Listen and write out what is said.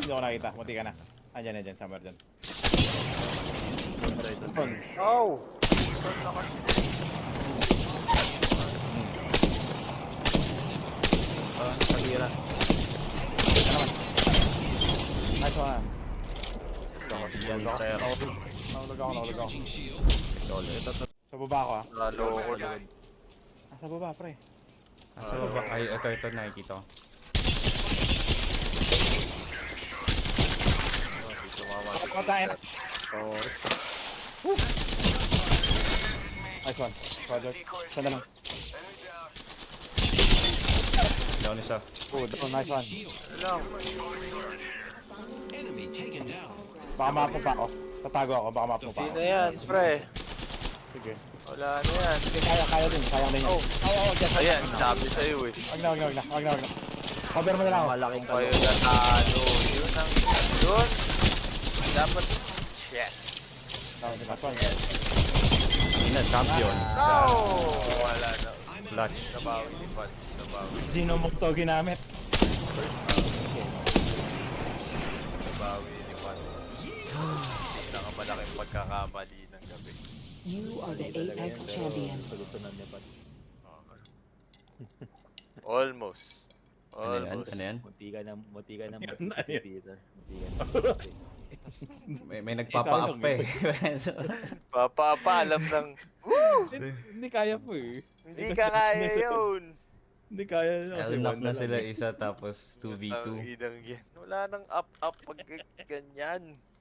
Hindi ako nakita. Munti ka na. Andyan, andyan. Somewhere dyan. Oh! Pag-ira. Nice one. Sir. Nahulog ako, nahulog ako. Lolo. Ito. Sa baba ako ah. Lalo ko na. Sa baba, pre. Nasa baba. Ay, ito. Nakikita ko. Patayin na. Nice one. Roger. Sanda lang. Down isa. Good. Oh, nice one. Lang. Baka mapo pa ako. Tatago ako. Baka mapo pa Hindi ako. na yan, pre. Sige. Wala na yan. Sige, kaya din. Sayang din yun. Oh. Just. Ayan, sabi sa'yo eh. Wag na. Cover mo na lang ako. Malaking Kayo natalo. Yun ang... Yun. Dapat... Shit. Nice one. Ina, champion. No! Wala na. Clutch. Nabawi ni Pat. Nabawi. Sino mong to ginamit? Nabawi ni Pat. Pinakamalaking pagkakamali ng gabi. You are the Apex champions. Almost. Ano yan? Almost. Ano yan? Munti ka na Yan na, yan. Peter. Munti ka na. May nagpapa-up pa eh. Papaalam ng... Hindi kaya po eh. Hindi ka kaya yun. Hindi kaya. Knock na sila isa tapos Ang 2v2. inang yan. Wala nang up-up pag ganyan.